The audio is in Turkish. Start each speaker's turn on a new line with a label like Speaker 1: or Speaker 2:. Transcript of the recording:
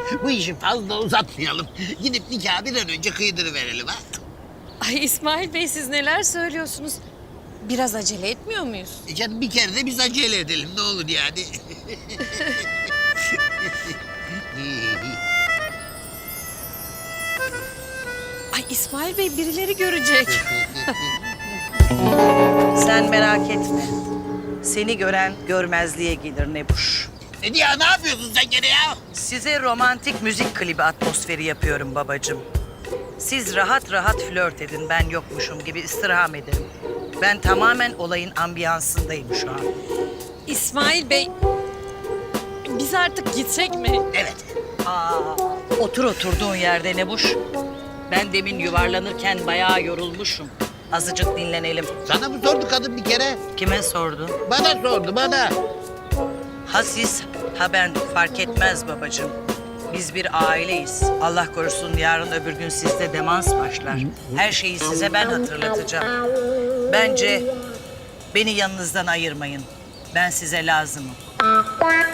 Speaker 1: Bu işi fazla uzatmayalım. Gidip nikahı bir an önce kıydırıverelim ha.
Speaker 2: Ay İsmail Bey siz neler söylüyorsunuz? Biraz acele etmiyor muyuz?
Speaker 1: Canım bir kere de biz acele edelim ne olur yani.
Speaker 2: Ay İsmail Bey birileri görecek.
Speaker 3: Sen merak etme. Seni gören görmezliğe gelir Nebuş.
Speaker 1: Ya ne yapıyorsun sen gene ya?
Speaker 3: Size romantik müzik klibi atmosferi yapıyorum babacığım. Siz rahat rahat flört edin, ben yokmuşum gibi istirham ederim. Ben tamamen olayın ambiyansındayım şu an.
Speaker 2: İsmail Bey biz artık gitsek mi?
Speaker 1: Evet.
Speaker 3: Otur oturduğun yerde Nebuş. Ben demin yuvarlanırken bayağı yorulmuşum. Azıcık dinlenelim.
Speaker 1: Sana mı sordu kadın bir kere?
Speaker 3: Kime sordu?
Speaker 1: Bana sordu bana.
Speaker 3: Ha siz, ha ben fark etmez babacığım. Biz bir aileyiz. Allah korusun yarın öbür gün sizde demans başlar. Her şeyi size ben hatırlatacağım. Bence beni yanınızdan ayırmayın. Ben size lazımım.